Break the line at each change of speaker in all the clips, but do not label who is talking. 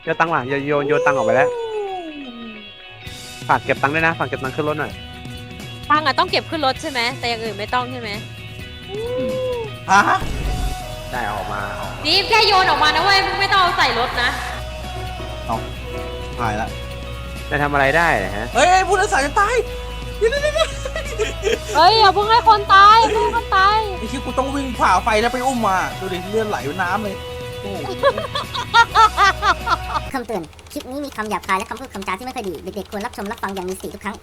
โยนตังค์ว่ะโยนตังค์ออกไปแล้วฝากเก็บตังค์ด้วยนะฝากเก็บตังค์ขึ้นรถหน่อย
ตังค์อะต้องเก็บขึ้นรถใช่ไหมแต่อย่างอื่นไม่ต้องใช่ไหม
ฮะ
ได้ออกมา
นี่แค่โยนออกมานะเว้ยมึงไม่ต้องเอาใส่รถนะ
เอาหายละ
จะทำอะไรได้ฮะ
เฮ้ยผู้โดยสารจะตายเดี๋ยว
เฮ้ยอย่าเพิ่งให้คนตายไม่ให้คนตาย
ไอ้ที่กูต้องวิ่งผ่าไฟแล้วไปอุ้มมาดูดิเลือดไหลเป็นน้ำเลยโอ้โห
คำเตือน คลิปนี้มีคำหยาบคายและคำพูดคำจาที่ไม่ค่อยดี เด็กๆควรรับชมรับฟังอย่างมีสติทุกครั้ง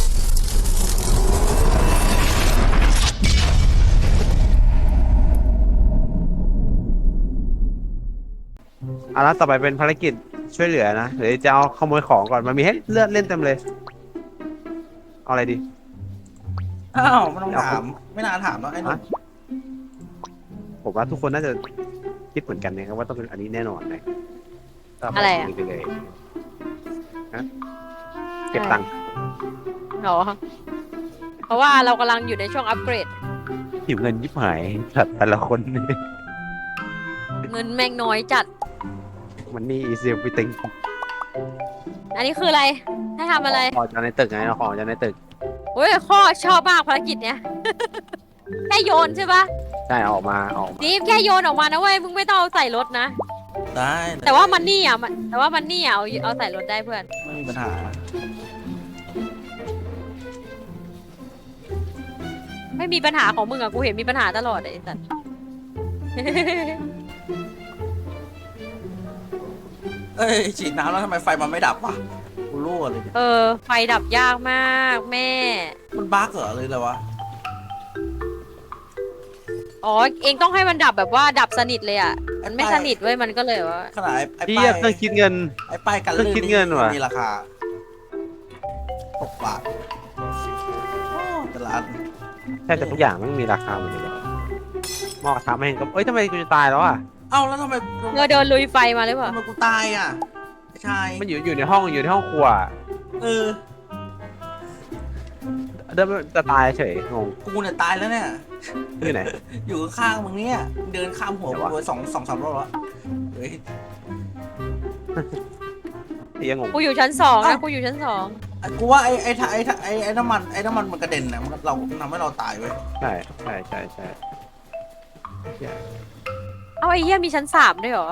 เอาละต่อไปเป็นภารกิจช่วยเหลือนะหรือจะเอาขโมยของก่อนมันมีให้เลือดเล่นเต็มเลยเอาอะไรดี
อ้าวไม่ต้องถามไม่น่าถามแล้วไอ้หนุ่ม
ผมว่าทุกคนน่าจะคิดเหมือนกันนะครับว่าต้องเป็นอันนี้แน่นอนเลย
อะไรอะ
ไปเลยฮะเก็บตังค์
หรอเพราะว่าเรากำลังอยู่ในช่วงอัปเกรด
หิวเงินยิบหายแต่ละคน
เงินแม่งน้อยจัด
มันนี่อีเซียไปติง
อันนี้คืออะไรให้ทำอะไร
ของจากในตึกไงเอาของจากในตึก
โอ้ยข้อชอบมากภารกิจเนี้ย แค่โยนใช่ปะ
ใช่ออกมา
นี่แค่โยนออกมานะเว้ยมึงไม่ต้องเอาใส่รถนะ
ได้
แต่ว่ามันนี่อ่ะแต่ว่ามันนี่อ่ะเอาใส่รถได้เพื่อน
ไม่มีปัญหา
ไม่มีปัญหาของมึงอ่ะกูเห็นมีปัญหาตลอดไอ้สัตว์
เอ้ยฉีดน้ำแล้วทำไมไฟมันไม่ดับวะกูรั่วเลย
ไฟดับยากมากแม่
มันบั๊กเหรอเลยเลยวะ
อ๋อเองต้องให้มันดับแบบว่าดับสนิทเลยอ่ะมันไม่สนิทเว้ยมันก็เลยว่า
ขนาดไอ้
พี่
ป้าย
เครื่องคิดเงิน
ไอ้ป้ายกันลื่นมีราคา6 บาทตลาด
แทบจะทุกอย่างไม่มีราคาหมดเลยหม้อกระทะไม่เห็นก็เอ้ยทำไมกูจะตายแล้วอ่ะ
เอ้าแล้วทำไม
เราเดินลุยไฟมาหรือเปล่า
ทำไมกูตายอ่ะใช่
มันอยู่ในห้องครัวเดินจะตายเฉยงง
กูเนี่ยตายแล้วเนี่ย
ที่ไหน
อยู่ข้างมึงเนี่ยเดินข้ามหัวกูสองรอบแล้วเฮ้ย
ยังงง
กูอยู่ชั้น2นะกูอยู่ชั้น2
กูว่าไอ้น้ำมันมันกระเด็นนะเราทำให้เราตายเว้ย
ใช่
เอาไอ้เหี้ยมีชั้น3ด้วยเหรอ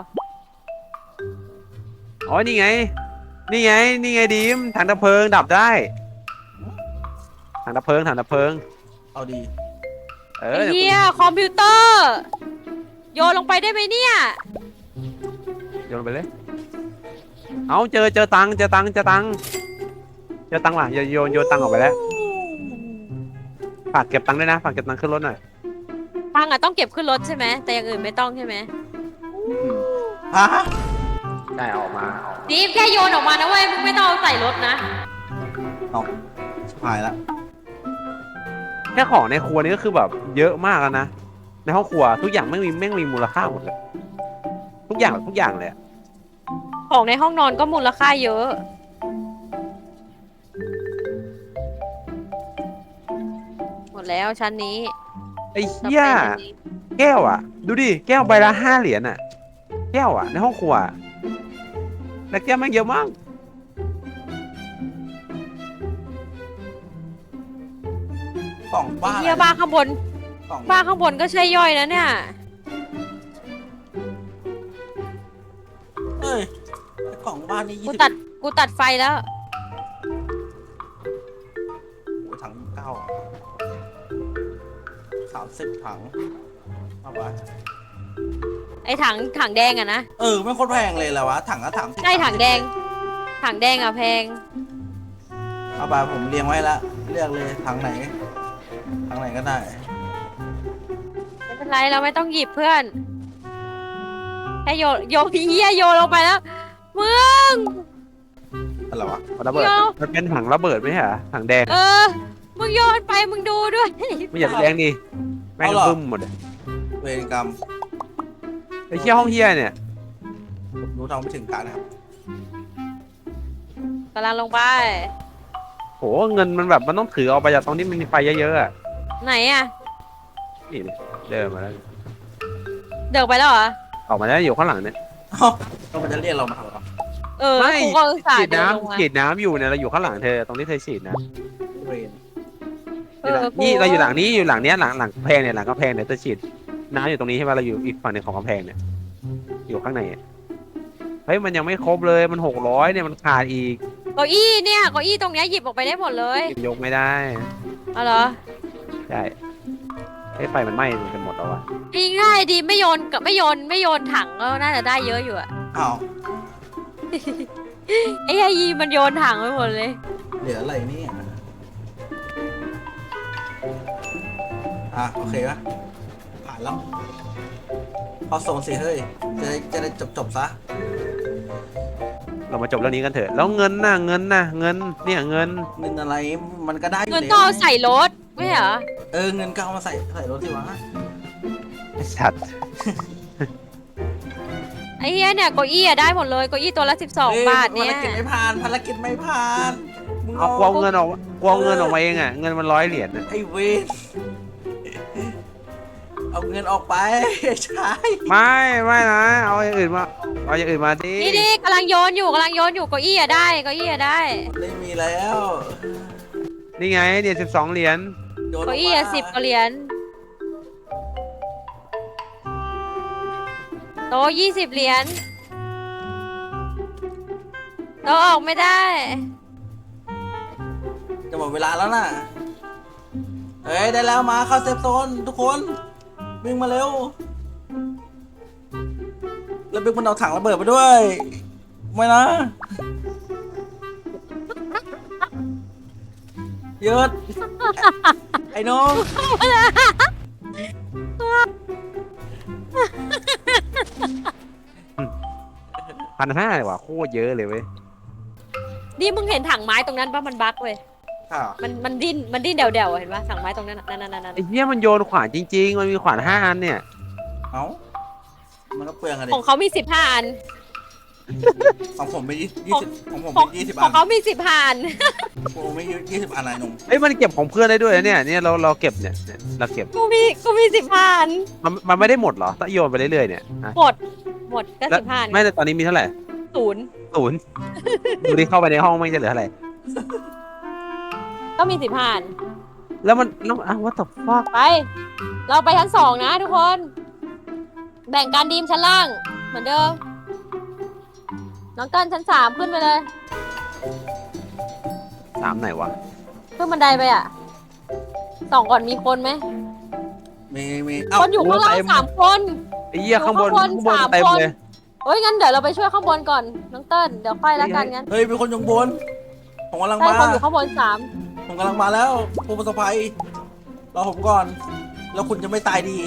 อ๋อนี่ไงดีมถังดับเพลิงดับได้ถังดับเพลิง
เอาดี
ไอ้เหี้ยคอมพิวเตอร์โยนลงไปได้ไหมเนี่ย
โยนไปเลยเอาเจอตังค์ว่ะโยนตังค์ออกไปแล้วฝากเก็บตังค์ด้วยนะฝากเก็บตังค์ขึ้นรถหน่อย
ตังค์อะต้องเก็บขึ้นรถใช่ไหมแต่อย่างอื่นไม่ต้องใช่ไหม
ฮะ
ได้ออกมา
นี่แค่โยนออกมานะเว้ยมึงไม่ต้องเอาใส่รถนะ
เอาหายละ
แค่ของในครัวนี้ก็คือแบบเยอะมากแล้วนะในห้องครัวทุกอย่างแม่งมีมูลค่าหมดเลยทุกอย่างเลย
ของในห้องนอนก็มูลค่าเยอะหมดแล้วชั้นนี้
ไอ้เหี้ยแก้วอ่ะดูดิแก้วใบละ5 เหรียญอ่ะแก้วอ่ะในห้องครัวแต่แก้วแม่งเยอะมาก
กล่องบ้า
เหี้ยบ้าข้างบนก็ใช่ย่อยนะเนี่ย
เฮ้ยกล่องบ้านนี่
กูตัดไฟแล้ว
โอ้ถัง9 30 ถังเอาไป
ไอ้ถังแดงอะนะ
ไม่โคตรแพงเลยแหละวะถัง
ใช่ถังแดงอะแพง
เอาไปผมเรียงไว้แล้วเลือกเลยถังไหนก็ได้
ไม่เป็นไรเราไม่ต้องหยิบเพื่อนแค่โยพี่เหี้ยโยลงไปแล้วมึง
อะไรวะระเบิดมันเป็นถังระเบิดไหมฮะถังแดง
มึงโยนไปมึงดูด้วย
ไม่อยากแรงดิแม่งบึ้มหมดเลย
เวรกรรม
ไอ้เหี้ยห้องเหี้ยเนี่ย
รู้ทำไม่ถึงการนะครับ
กำลังลงไป
โหเงินมันแบบมันต้องถือเอาไปจากตรงที่มันมีไฟเยอะๆอะ
ไหนอะ
นี่เดินมาแล้ว
เดินไปแล้วเหรอ
ออกมาแล้วอยู่ข้างหลังเนี่ย
ต้องมันจะเรียกเรามาทำหรอ
ไม่
กูก็อุตส่า
ฉี
ห์
ด
เดินลงมา
น้ำฉีดน้ำอยู่เนี่ยเราอยู่ข้างหลังเธอตรงที่เธอฉีดนะ
เวน
นี่เราอยู่หลังนี้อยู่หลังเนี้ยหลังกำแพงเนี่ยหลังกำแพงเนี่ยเธอฉีดน้ำอยู่ตรงนี้ใช่ไหมเราอยู่อีกฝั่งหนึ่งของกำแพงเนี่ยอยู่ข้างในอะเฮ้ยมันยังไม่ครบเลยมัน600เนี่ยมันขาดอีก
เก้าอี้เนี่ยเก้าอี้ตรงเนี้ยหยิบออกไปได้หมดเลย
ยกไม่ได้
เอาเหรอ
ใช่ไอ้ไฟมันไหม้กันหมดแล้ววะ
ง่ายดีไม่โยนกับไม่โยนถังก็น่าจะได้เยอะอยู่อะ
อ้าว
ไอ้ยีมันโยนถังไปหมดเลย
เหลืออะไรเนี่ยโอเคปะผ่านแล้วเอาส่งสิเฮ้ยจะได้จบซะ
เรามาจบเรื่องนี้กันเถอะแล้วเงินเงินเนี่ยเงิน
เงินอะไรมันก็ได้อยู่
เงิน
แล้ว
ต้องเอาใส่รถไม่เหรอ
เงินก็เอามาใส่รถสิวะ
ชัด
ไอ้เหี้ยเนี่ยเก้าอี้อะได้หมดเลยเก้าอี้ตัวละ12 บาทเนี่ย
ภารกิจไม่ผ่านมึง
เอากวาเงินออกกวาเงินออกมาเองอ่ะเงินมัน100 เหรียญน่ะ
ไอ้เวนเอาเงินออกไปใช่
ไม่นะเอาอย่างอื่นมาดิ
นี่กำลังโยนอยู่เก้าอี้อะได้เก้าอี้อะได้
ไม่มีแล้ว
นี่ไงเนี่ย12 เหรียญ
โยนอ
เก้า
อก
อี้
มา
อะ10 กว่าเหรียญโต๊ะ20 เหรียญโต๊ะออกไม่ได้
จะหมดเวลาแล้วน่ะได้แล้วมาเข้าเซฟโซนทุกคนวิ่งมาเร็วแล้วบิ๊กมันเอาถังระเบิดไปด้วยไม่นะหยุดไอ้น้อง
1,500เลยว่ะโคตรเยอะเลยเว้ย
นี่มึงเห็นถังไม้ตรงนั้นปะมันบั๊กเว้ยมันดิ้นเดี่ยวๆเห็นปะถังไม้ตรงนั้นนั่น
ไอ้เหี้ยมันโยนขวานจริงๆมันมีขวาน5 อันเนี่ย
เอ้ามันก็เปลืองอะดิ
ของเขามี15 อัน
ของผมไม่20ของผม
ของ
ไม่20
ข
อั
อง
น
เขามี15 อัน
ผมไม่20 อันอะไรนุ่ม
เอ้ยมันเก็บของเพื่อนได้ด้วยนะเนี่ยเราเก็บเนี่ยเราเก็บ
กูมี15 อัน
มันไม่ได้หมดเหรอถ้าโยนไปเรื่อยๆเนี่ยอ่ะ
หมดก็
แล้ว
15 อัน
ไม่แต่ตอนนี้มีเท่าไหร่
0
0ดูดิเข้าไปในห้องไม่จะเหลือเท่าไหร่
ก็มี15 อัน
แล้วwhat the fuck
ไป เราไปชั้น2นะทุกคน แบ่งการดีมชั้นล่าง เหมือนเดิม น้องเติ้ลชั้น3ขึ้นไปเลย
3ไหนวะ
ขึ้นบันไดไปอ่ะ2ก่อนมีคนไหม
มี
คนอยู่ข้างล่าง3 คน
ไอ้เหี้ยข้างบน
อยู่ข้างบน
เต็ม
3 คน
เลย
เฮ้ยงั้นเดี๋ยวเราไปช่วยข้างบนก่อน น้องเติ้ลเดี๋ยวค่อยละกันงั้น
เฮ้ยมีคนอยู่บนผมกำลัง
ใช่
มา
คนอยู่ข้างบน3
ผมกำลังมาแล้วผู้ประสบภัยรอผมก่อน แล้วคุณจะไม่ตายดี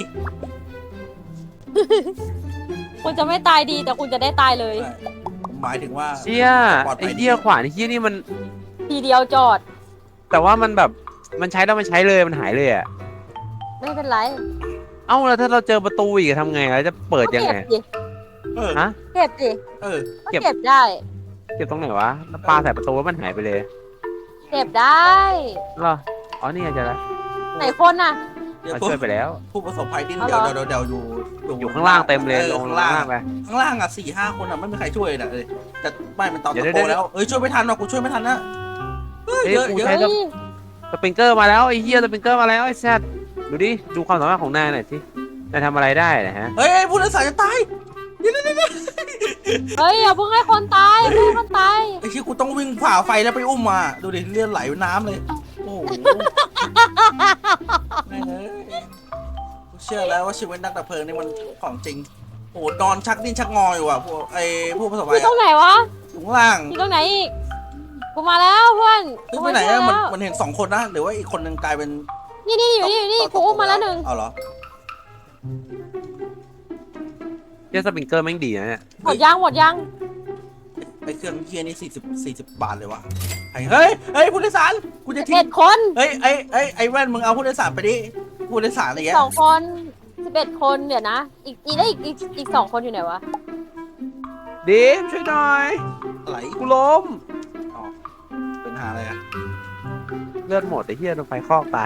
คุณจะไม่ตายดีแต่คุณจะได้ตายเลย
ผมหมายถึงว่า
เชี่ย
ปลอดภั
ไอ้
ยดี
เหี้ยขวานไอ้เหี้ยนี่มัน
ทีเดียวจอด
แต่ว่ามันแบบมันใช้แล้วมันใช้เลยมันหายเลยอ่ะ
ไม่เป็นไร
เอ้าแล้วถ้าเราเจอประตูอีกทำไงเราจะเปิดยังไง
ก็เก็บดิ
เออ
ฮะ
เก็บดิ
เออ
ก็
เก็บ
เก็บได้
เก็บตรงไหนวะแล้วปลาใส่ประตูแล้วมันหายไปเลย
เก็บได้
เหรออ๋อนี่ไงเจะแล้ว
ไหนคนน่ะ
เดี๋ยว
เราช่วยไปแล้ว
ผู้ประสบภัยดิ้น
เอา
เดี๋ยว
เหรอ
เดี๋ยวอยู่
อยู่ข้างล่างเต็มเลยลง
ข้าง
ล่า
ล่าง
งไป
ข้างล่างอ่ะ4-5 คนอ่ะไม่มีใครช่วยนะเลยแต่ไม่เป็นตอน
เดี๋ยว
ตะโก
เดี๋ยว
แล้วช่วยไม่ทันหรอกกูช่วยไม่ทันนะเฮ้ย
เอ้ย
เยอะ
กู
เย
ใช้
อะ
สปริงเกอร์มาแล้วไอ้เหี้ยสปริงเกอร์มาแล้วไอ้แซดดูดิดูความสามารถของนายหน่อยสินายทำอะไรได้นะฮะ
เฮ้ยผู้โดยสารจะตายเดี๋ยว
เฮ้ยอย่าเพิ่งให้คนตายอย่าเพิ่งให้คนตาย
ไอ้ที่กูต้องวิ่งฝ่าไฟแล้วไปอุ้มมาดูดิเลือดไหลเป็นน้ำเลยโอ้โหแม่งเอ้ยกูเชื่อแล้วว่าชีวิตนักดับเพลิงนี่มันของจริงโอ้โหนอนชักดิ้นชักงออยู่อ่ะพวกผู้ประสบภั
อยู่
ย
ตรงไหนวะ
อยู่ข้างล่าง
อยู่ตรงไหนอีก กูมาแล้วเพื่อน
เฮ้ย
กู
ไป
มา
ไหน
ช่วย
อะมัน
แล้ว
มันเห็น2 คนนะหรือว่าอีกคนนึงกลายเป็น
นี่อยู่นี่กูอุ้มมาแล้วหนึ่ง
เอาเหรอ
เหี้ยสปริงเกอร์แม่งดีนะเนี่ย
หมดยัง
ไอ้เครื่องเคียนี่40 บาทเลยวะเฮ้ยผู้โดยสารกูจะทิ้ง
11 คน
เฮ้ยไอ้แว่นมึงเอาผู้โดยสารไปดิผู้โดยสารอะไรเงี้ย
2 คน 11 คนเดี๋ยวนะ อีก 2 คนอยู่ไหนวะ
ดิมช่วยหน่อย
อะไร
กูล้ม
อ๋อเป็นหาอะไรอะ
เลือดหมดไอ้เหี้ยโดนไฟคลอกตาย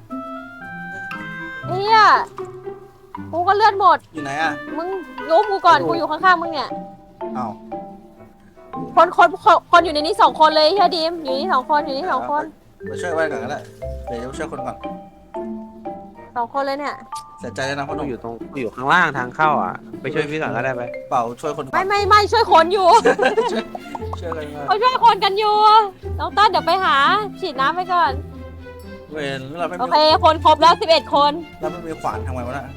เฮียกูก็เลือดหมด
อยู่ไหนอะ
มึงยุบกูก่อน กูอยู่ข้างๆมึงเนี่ย
เอา
คนอยู่ในนี้2 คนเลยเฮียดิมอยู่นี่2 คนอยู่นี่2 คน
ไปช่วยไว้ก่อนก็ได้เดี๋ยวจะไปช่วยคนก่อน
2 คนเลยเนี่ย
เสียใจเลยนะพ่อห
กู
นุ่ม
อยู่ข้างล่างทางเข้าอ่ะ ไปช่วยพี่ก่อนก็ได้ไป
เปล่าช่วยคนก่อน
ไม่ช่วยคนอยู่
ช่วยกันมา
เขาช่วยคนกันอยู่น้องต้นเดี๋ยวไปหาฉีดน้ำไปก่อน
เวรเราไม่
โอ
มี
เคคนครบแล้ว11 คน
เราไม่มีขวานทำไงวะน่ะ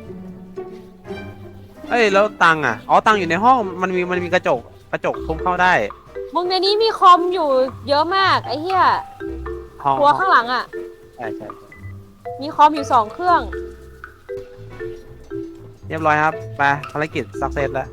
เอ้ยแล้วตังค์อ่ะอ๋อตังค์อยู่ในห้องมันมีกระจกทุบเข้าได้
มึงในนี้มีคอมอยู่เยอะมากไอ้เหี้ย
ห้อง
ครัวข้างหลังอ่ะ
ใช่
มีคอมอยู่2 เครื่อง
เรียบร้อยครับไปภารกิจสักเซสแล้ว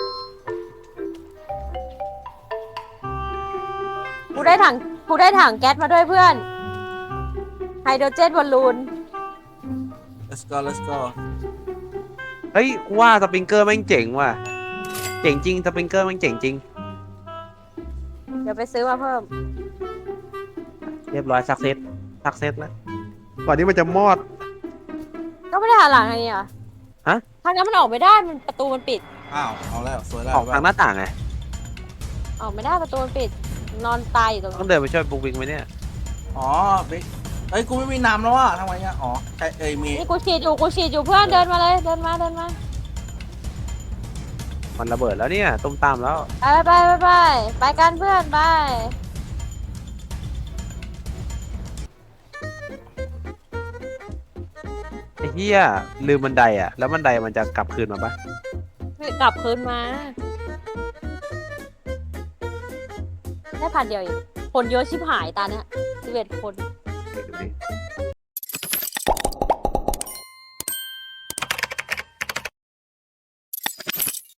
กูได้ถังแก๊สมาด้วยเพื่อนไฮโดรเจนบอลลูน
let's go
เฮ้ยกูว่าสปริงเกอร์แม่งเจ๋งว่ะเจ๋งจริงสปริงเกอร์แม่งเจ๋งจริง
เดี๋ยวไปซื้อมาเพิ่ม
เรียบร้อยสักเซสแล้วก่อนที่มันจะมอด
ก็ไม่ได้หันหลังอะไรอ่ะ
ฮะ
ทางนั้นมันออกไม่ได้ประตูมันปิด
อ้าวเอาแล้วสวยแล้ว
ออกทางหน้าต่างไง
ออกไม่ได้ประตูมันปิด นอนตายอยู่ตรง
ต้อ
นั้
ง
น
เดินไปช่วยบุ๊กวิงไหมเนี่ย
อ๋อบิ๊กเอ้ยกูไม่มีน้ำแล้วอ่ะทำไมเนี่ยอ๋อใช่มี
นี่กูฉีดอยู่เพื่อนเดินมาเลยเดินมา
มันระเบิดแล้วเนี่ยตุ้มตามแล้ว
ไปกันเพื่อนไป
ไอ้เหี้ยลืมบันไดอ่ะแล้วบันไดมันจะกลับคืนมาปะ
กลับคืนมาได้1,000 เดียวเองคนเยอะชิบหายตาเนี้ย11 คน
เดี๋ยวดูดิ